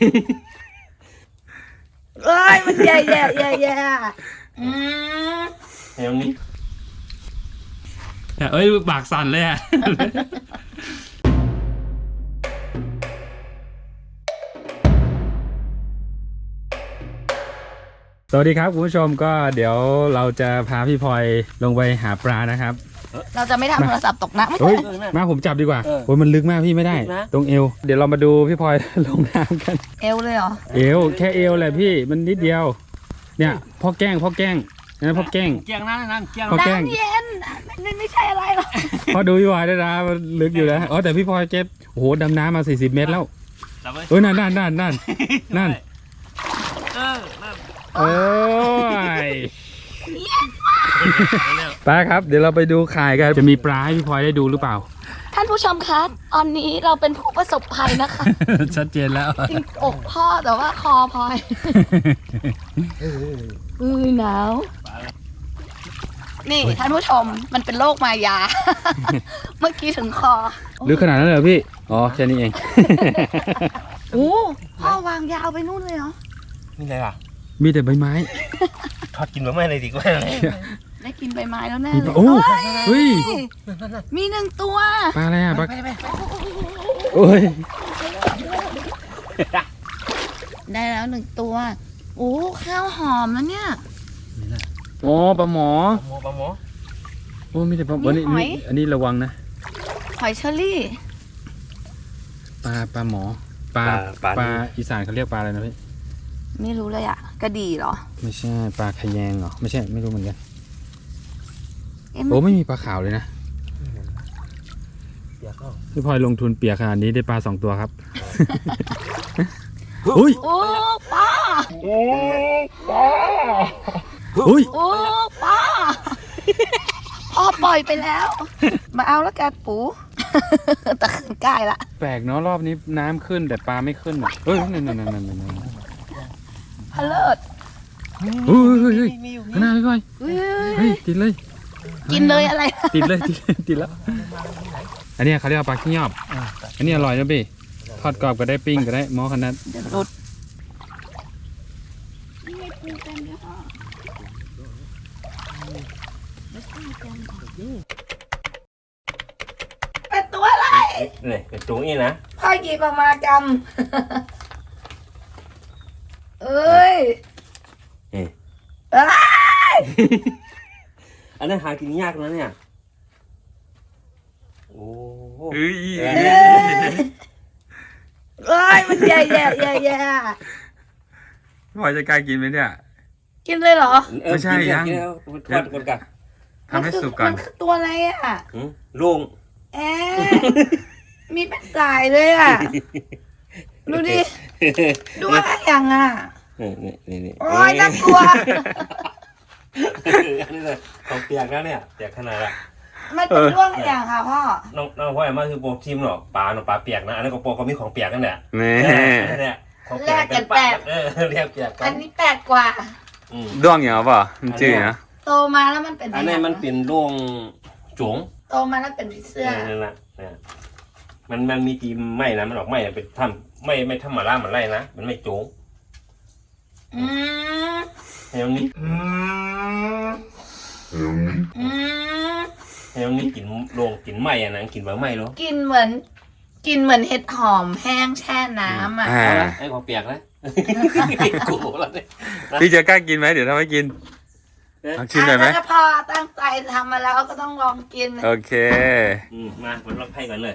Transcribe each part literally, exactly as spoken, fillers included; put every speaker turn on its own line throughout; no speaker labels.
เอ้ยมันแย่แย่แย่แย่อืม
เฮ้ยนี่
เอ้ยปากสั่นเลยอ่ะสวัสดีครับคุณผู้ชมก็เดี๋ยวเราจะพาพี่พลอยลงไปหาปลานะครับ
เราจะไม่ทำโทรศัพท์ตกน้ำไม่
เฮ้
ใช่
ยมาผมจับดีกว่าโอ้ยมันลึกมากพี่ไม่ได้ตรงเอวเดี๋ยวเรามาดูพี่พลอยลงน้ำกัน
เอวเลยเหรอ
เอวแค่เอวแหละพี่มันนิดเดียวเนี่ยพ่อแกล้งพ่อแกล้งนะพ่อแกล้ง
เกียงนั่นนั่นเกียง
พ่อแกล้ง
น้ำเย็นไม่ไม่ใช่อะไรหรอก
พอดูพี่พลอยได้นะมันลึกอยู่นะอ๋อแต่พี่พลอยเก็บโอ้โหดำน้ำมาสี่สิบเมตรแล้วเอ้ยนั่นนั่นนั่นนั่นนั่น
เออนั่น
โอ้ยปลาครับเดี๋ยวเราไปดูข่ายกันจะมีปลาให้พี่พลอยได้ดูหรือเปล่า
ท่านผู้ชมคะตอนนี้เราเป็นผู้ประสบภัยนะคะ
ชัดเจนแล้ว
จริงอกพ่อแต่ว่าคอพลอยอือหนาวนี่ท่านผู้ชมมันเป็นโรคมายา เมื่อกี้ถึงคอ
ลึกขนาดนั้นเลยเหรอพี่อ๋อแค่นี้เอง
โอ้พ่อวางยาวไปนู่นเลยเหรอ
นี่อะไรล่ะ
มีแต่ใบไม้
ทอดกินแบบไม่เลยดีกว่า
ได้กินใบไม้แล้วแน่
มี
เล
ป
ย
ลาโอ้เฮ้ย
มีหนึ่งตัว
ปลาอะไรอ่ะปลาโอ้ย
ได้แล้วหนึ่งตัวโอ้ข้าวหอมแล้วเนี่ย
โอ้ปลาหมอ
ปลาหมอปลาหมอ
โอ้มีแต่ปลาอันนี้อันนี้ระวังนะ
หอยเชอรี่
ปลาปลาหมอปลาปลาอีสานเขาเรียกปลาอะไรนะพี่
ไม่รู้เลยอะกระดี่เหรอ
ไม่ใช่ปลาขยงเหรอไม่ใช่ไม่รู้เหมือนกัน
เอ๊ะ
โอ้ไม่มีปลาขาวเลยนะพี่พลอยลงทุนเปียกขนาดนี้ได้ปลาสองตัวครับอุ้ย
โอ้ป้า
อุ้ย
โอ้ป้าพ่อปล่อยไปแล้ว มาเอาแล้วกันปูตะขึ้นใกล้ละ
แปลกเนาะรอบนี้น้ำขึ้นแต่ปลาไม่ขึ้นอ่ะเฮ้ยนั่นนั่นนั่นนั่นนั่น
พะเลิศ
เฮ้ยเฮ้ยเฮ้ยข้างหน้าพี่พลอย
เฮ้ย
เฮ้ยติดเลย
กินเลยอะไร
ติดเลยติดเลยติดแล้วอันนี้เขาเรียกว่าปลาขี้ยอบอันนี้อร่อยนะพี่ทอดกรอบก็ได้ปิ้งก็ได้หม้อขนาด
เดี๋ยวหลุดนี่ไงปูเต็มเลยค่ะเป็นตัวอะไร
นี่เป็นตัวนี้นะ
พ่อหยิบออกมากำเอ้ยเอ้ย
อันนั้นหากินยากนะเนี่ยโอ้เ
เฮ้ย
เอ้ยมันแย่แย่แย่แย่
พี่พลอยจะกล้ากินไหมเนี่ย
กินเลยเหรอ
ไม่ใช่ยัง
ทอดก่อนกัน
ทำให้สุกก่อน
มันคือตัวอะไรอ่ะ
โล่ง
แอะมีเป็นสายเลยอ่ะ ดูดิ ดูอะไรอย่างอ่ะ
นี่นี่นี่
โอ้ยน่ากลัว
อันนี้เลยของเปียกนะเนี่ยเปียกขนาดละ
มันเป็นร่วงอะไรอย่างค่ะพ่อ
น้องน้องพ่อมาคือโปรทีมหรอกปลาหนอปลาเปียกนะอันนั้นก็โปรเขามีของเปียกนั่นแหละ
แม่
นั่นแหละของ
แลกกันแปลก
เออเรียกเปียกกั
อั
น
นนี้แปลกกว่า
ด้วงอย่างเปล่ามันจืดนะ
โตมาแล้วมันเป็น
อันนี้มันเป็นร่วงจง
โตมาแล้วเป็นผีเสื้อ
นั่นแหละมันมันมีตีมไม่นะมันออกไม่เป็นทำไม่ไม่ทำมาล่ามันไล่นะมันไม่โจง
อืม
เฮ้ยนี้
อืม
เฮ้ยนี้กินโรงกินไหมอ่ะนะกินแบบไหมหรอ
กินเหมือน กินเหมือนเห็ดหอมแห้งแช่น้ำอ่ะ
อ่า
ไอ้ของเปียกนะกูแล้วเนี่ย
พี่จะกล้ากินไหมเดี๋ยวทำให้กินลองชิมหน่อยไหม
ถ้าพอตั้งใจทำมาแล้วก็ต้องลองกิน
โอเค
มามันรับให้ก่อนเลย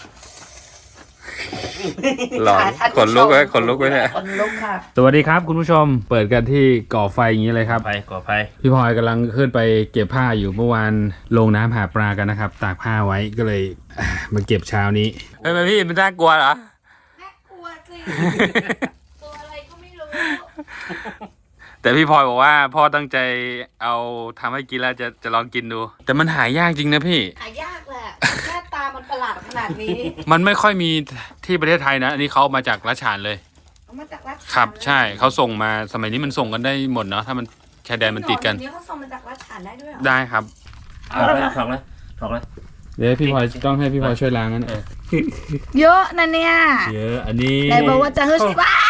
หลอนขนลุกไว้ขนลุกไว้เนี่ย
ขนลุกค่ะ
สวัสดีครับคุณผู้ชมเปิดกันที่ก่อไฟอย่างนี้เลยครับ
ไฟก่อไฟ
พี่พลอยกำลังขึ้นไปเก็บผ้าอยู่เมื่อวานลงน้ำหาปลากันนะครับ ตากผ้าไว้ก็เลยอ่ามาเก็บเช้านี้เฮ้ยพี่มันน่ากลัวเหรอ
น่ากลัวสิ ตัวอะไรก็ไม่รู้
แต่พี่พลอยบอกว่าพ่อตั้งใจเอาทำให้กินแล้วจะจะลองกินดู แต่มันหายากจริงนะพี่
หายากแหละหน้าตามันประหลาดขนาดนี้
มันไม่ค่อยมีที่ประเทศไทยนะอันนี้เขาเอามาจากรัชฉานเลย
เอามาจากรัชฉาน
ครับใช่เขาส่งมาสมัยนี้มันส่งกันได้หมดเนาะถ้ามันชายแดนมันติดกัน
เดี๋ยวนี้เขาส่งมาจากรัชฉานได้ด้วยเหรอ
ได้ครับ
ถอกเลยถอกเลยถอกเลย
เดี๋ยวพี่พลอยต้องให้พี่พลอยช่วยล้างนั่น
เออ
เยอะนะเนี่ย
เยอะอันนี้
ไหนบอกว่าจะเฮ้ยว้า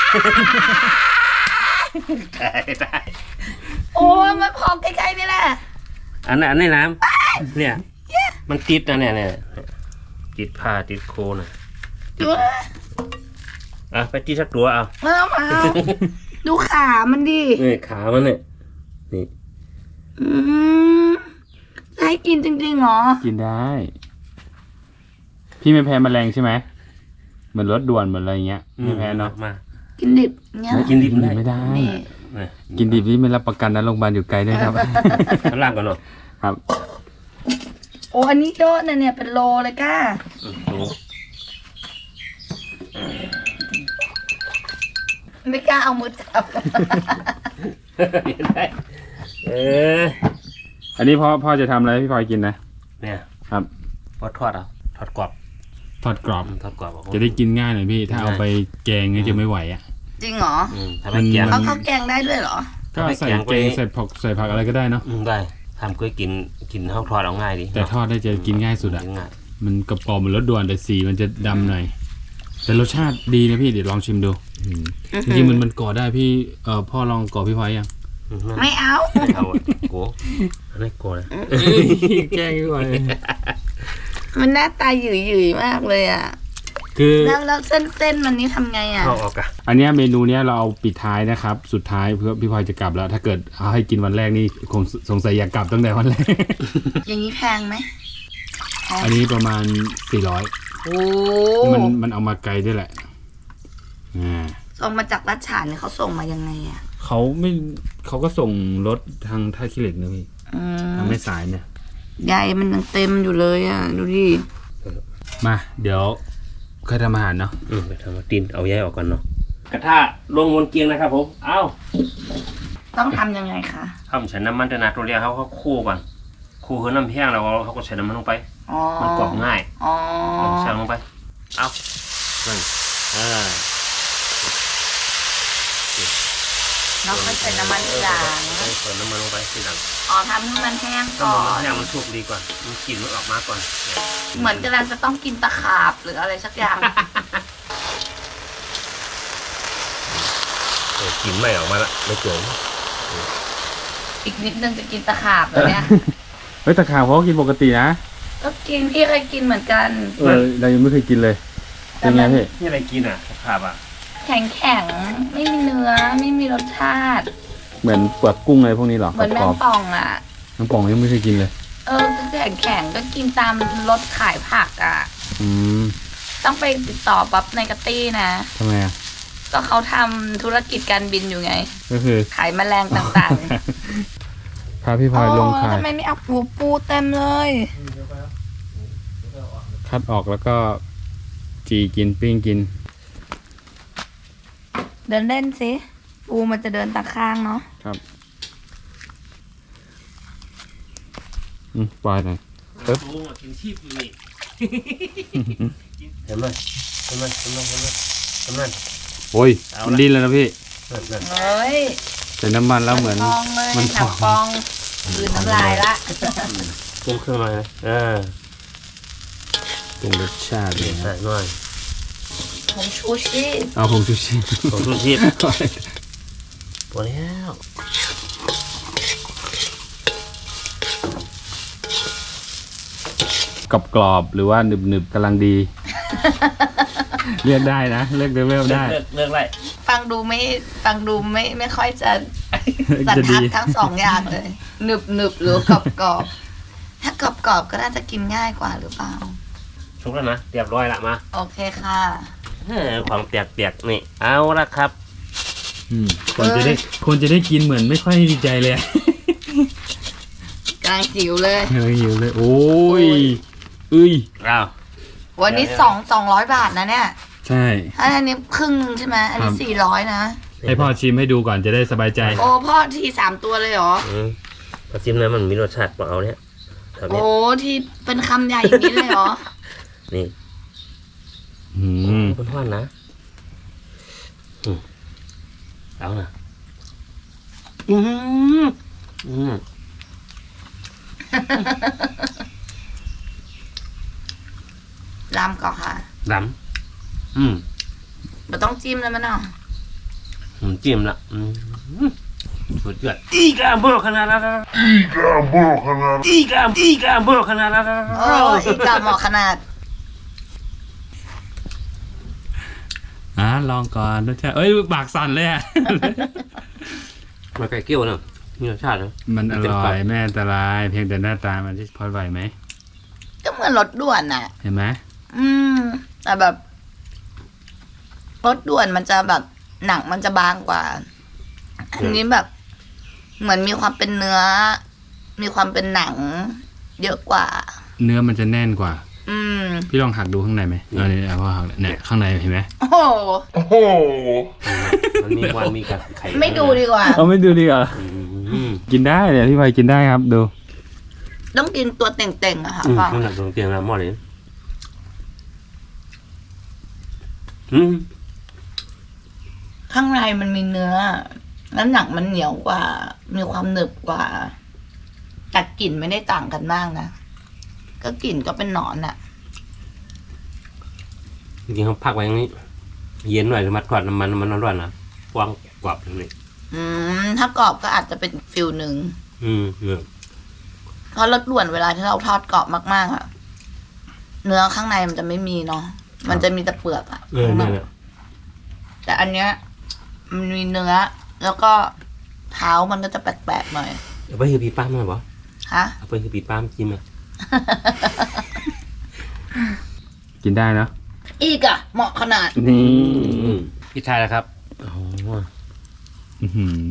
ได้ได้
โอ้ยมันพอใกล้ๆนี่แหละ
อันนั้นอันนี้น้ำเนี่ยมันติดนะเนี่ยเนี่ยติดผ้าติดโคนอ่ะ
ดูนะ
อ่ะไปตีสักตัวเอา
เออมาเอาดูขามันดิ
นี่ขามันเนี่ยนี่
อืมได้กินจริงๆเหรอ
กินได้ พี่ไม่แพ้แมลงใช่ไหมเหมือนรถด่วนเหมือนอะไรเงี้ยไม่แพ้เนาะ
มา
กินดิบเงี้ย
กินดิบ
ไม่ได้
นี่
นี่
กินดิบนี่ไม่รับประกันนะโรงพยาบาลอยู่ไกลด้วยครับ
ข้างล่างก่อนเนาะ
ครับ
โอ้อันนี้เยอะนะเนี่ยเป็นโลเลยก้า
อืมดู
ไม่กล้าเอามือจับ
ได้เออ
อันนี้พ่อพ่อจะทำอะไรให้พี่พลอยกินนะ
เนี่ย
ครับ
พอทอดเอาทอดกรอบ
ทอดกรอบ
อืมทอดกรอบเอา
จะได้กินง่ายหน่อยพี่ ถ้าเอาไปแกงเนี่ยจะไม่ไหวอ่ะ
จริงเหรอ
อืมทำให้แกง
เขาเขาแกงได้ด้วยเหรอ
ก็
เอาไป
ใส่
แกง
แกง
ไป
ใส่ผักใส่ผักอะไรก็ได้เนาะ
อืมได้ทำก็กินกินข้าวทอดเอาง่ายดี
แต่ทอดได้จะกินง่ายสุดอ่ะ
กินง่าย
มันกระปอมเหมือนรสด่วนแต่สีมันจะดำหน่อย แต่รสชาติดีนะพี่เดี๋ยวลองชิมดูอืมจริงๆมันมันก่อได้พี่เอ่อพ่อลองก่อพี่พลอยยัง
อืม
ไม่เอา
ไม่เอาอะโกอันนี้โกนะ
แกล้งพี่พลอย
มันหน้าตาหยุ่ยหยุ่ยๆมากเลยอ่ะ
คือ
แล้วแล้วเส้นเส้นมันนี่ทำไงอ่ะ
เอาออกอะ
อันเนี้ยเมนูเนี้ยเราเอาปิดท้ายนะครับ สุดท้ายเพื่อพี่พลอยจะกลับแล้ว ถ้าเกิดเอาให้กินวันแรกนี่คงสงสัยอยากกลับตั้งแต่วันแรก
อย่างนี้แพงไหม
อันนี้ประมาณสี่ร้อย
โอ้
มันมันเอามาไกลด้วยแหละอ่า
ส่งมาจากรัชฉานเนี่ยเขาส่งมายังไงอ่ะ
เขาไม่เขาก็ส่งรถทางท่าขี้เหล็กนะพี่
อืม
ทางแม่สายเนี่ย
ใยมันยังเต็มอยู่เลยอ่ะ ดูดิ
มาเดี๋ยวค่อยทำอาหารเนาะ
อืมไปทำมาตีนเอาแยกออกก่อนเนาะกระทะลงบนเกียงนะครับผมเอา
ต้องทำยังไงคะ
ทำใส่น้ำมันแต่นาตัวเรียกเขาเขาคู่ก่อนคู่คือน้ำแห้งแล้วเขาก็ใส่น้ำมันลงไป
อ๋อ
มันกรอบง่าย
อ๋อ
ใส่ลงไปเอานั่นอ่า
แล้วค่อยใส่น้ำมันทีหลัง
ใส่น้ำมันลงไปทีหลัง
อ๋อทำให้มันแห้ง
ถ้า
ก่อ
มัน
น
แห้งมันสุกดีก่อนมันกลิ่นมันออกมาก่อน
เหมือนกำลังจะต้องกินตะขาบหรืออะไรสักอย่าง
เออกลิ่นไม่ออกมาละไม่เกิน
อีกนิดนึงจะกินตะขาบแล้วเนี่ย
เฮ้ยตะขาบเขาก็กินปกตินะ
ก็กินพี่เคยกินเหมือนกัน
เออเรายังไม่เคยกินเลยเป็นไงพี่
นี่อะไรกินอ่ะขาบอ่ะ
แข็งแข็งๆไม่มีเนื้อไม่มีรสชาติ
เหมือนเปลือกกุ้งอะไรพวกนี้หรอ
เหมือนแม
กรง อบ
ป่องอ่ะ
ๆน้ำป่องยังไม่เคยกินเลย
เออแข็งแข็งๆก็กินตามรถขายผักอ่ะ
อืม
ต้องไปติดต่อปั๊บในกระตี้นะ
ทำไมอ่ะ
ก็เขาทำธุรกิจการบินอยู่ไง
ก็คือ
ขายแมลงต่าง
พาพี่
ๆ
พลอยลง
โอ้
ขาย
ทำไมไม่เอาปูปูเต็มเลย
คัดออกแล้วก็จีกินปิ้งกิน
เดินเล่นสิปูมันจะเดินตาข้างเนาะ
ครับอืมปล่อยหน่อย ปึ๊บ
โอ้กินชีพนี่เห็นไหมเห็นไหมเห็นไหมเห็นไหมเห็นไหม
โอ้ย
เอาละ
มันดิ้นแล้วนะพี่
นั่นนั่น
เฮ้ย
ใส่น้ำมันแล้วเหมือน
ฟองเลย
มัน
หนังฟองคืนน้ำลายละ
ปรุงเครื่องหน่อยนะอ่า
ปรุงรสชาติเลย
ใส่
นะ
หน่อย
ผมชูชี
เอาผงชูชี
ผงชูชีพพอแล้ว
กรอบกรอบๆหรือว่าหนึบหนึบๆกำลังดี เลือกได้นะ เลือกเลเวลได้
เลือกเลือกไร
ฟังดูไม่ฟังดูไม่ไม่ค่อยจะสัน
จะ
ทั
ดี
ดทั้งสองอย่างเลยหนึบหนึบหรือกรอบกรอบถ้ากรอบกรอบก็น่าจะกินง่ายกว่าหรือเปล่า
ชุกแล้วนะเรียบร้อยละมา
โอเคค่ะ
เออของเปียกๆนี่เอาละครับ
อืมคนจะได้คนจะได้กินเหมือนไม่ค่อยดีใจเลย
กลางหิวเลย
เฮ้ยหิวเลย โอ้ยเอ้ย
อ้าว
วันนี้สองสองร้อยบาทนะเนี่ย
ใช่
ถ้าอันนี้ครึ่งนึงใช่ไหมอันนี้
ครับ
สี่ร้อยนะ
ให้พ่อชิมให้ดูก่อนจะได้สบายใจ
โอ้พ่อทีสามตัวเลยเหรอ
อืมพอจิ้มนะมันมีรสชาติของเอาเนี่ยแถวเนี้ย
โอ้ที่เป็นคำใหญ่อย่างนี้เลยเหรอ
นี่
อืม
คุณพ่อนะอืมเอานะอืมอืม
ลำก่อนค่ะ
ดำอืม
เราต้องจิ้มแล้วมันเนาะ
อืมจิ้มละอืมสุดยอดอีกาเบอร์ขนาดนั้นอีกาเบอร์ขนาดอีกาอีกาเบอร์ขนาดนั้น
โอ้ยอีกกับเหมาะขนาด
อ่ะลองก่อนรสชาติเอ้ยปากสั่นเลยอ่ะ
มันไก่เกี้ยวเนอะมีรสชาตินะ
มันอร่อยไม่อันตรายเพียงแต่หน้าตามันที่พอไหวไหม
ก็เหมือนรถด่วนน่ะ
เห็นไหม
อืม แต่แบบรถด่วนมันจะแบบหนังมันจะบางกว่า อันนี้แบบ เหมือนมีความเป็นเนื้อ มีความเป็นหนัง เยอะกว่า
เนื้อมันจะแน่นกว่า
อืม
พี่ลองหักดูข้างในไหมเออเนี่ยพอหักเนี่ยข้างในเห็นไหม
โอ้โห
มันมีวันมีกับไข่
ไม่ดูดีกว่า
เอาไม่ดูดีกว่า
อืม
กินได้เนี่ยพี่พลอยกินได้ครับดู
ต้องกินตัวเต่งๆอะค่ะ
อืม
พ่อ
มันหนักตรงเตียงนะหม้อเลยอืม
ข้างในมันมีเนื้อ แล้วหนังมันเหนียวกว่า มีความหนึบกว่า แต่กลิ่นไม่ได้ต่างกันมากนะ ก็กลิ่นก็เป็นหนอนอะ
จริงๆเขาพักไว้อย่างนี้ เย็นหน่อยมาทอดน้ำมันมันร้อนๆนะกว้างกรอบอย่างนี้
อืม ถ้ากรอบก็อาจจะเป็นอีกฟิลหนึ่ง
อืมเนี่ย
เพราะรสด่วนเวลาที่เราทอดกรอบมากๆอะเนื้อข้างในมันจะไม่มีเนาะ มันจะมีแต่เปลือกอะ
เออเนี่ยเนี่ย
แต่อันเนี้ยมันมีเนื้อ แล้วก็เท้ามันก็จะแปลกๆหน่อย
เอาไปคือปีป้ามมาบ่
ฮะ
เอาไปคือปีป้ามจิ้มอ่ะ
กินได้เนาะ
อีกอะเหมาะขนาด
นี่
พี่ชายนะครับโอ้โห
อื้อหือ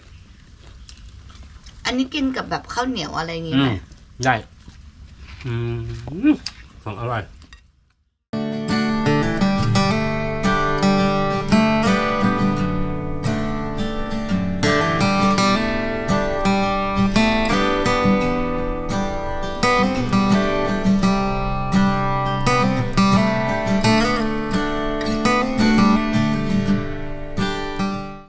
อันนี้กินกับแบบข้าวเหนียวอะไรอย่างงี้
อื
ไหม
มได้ อืมของอร่อย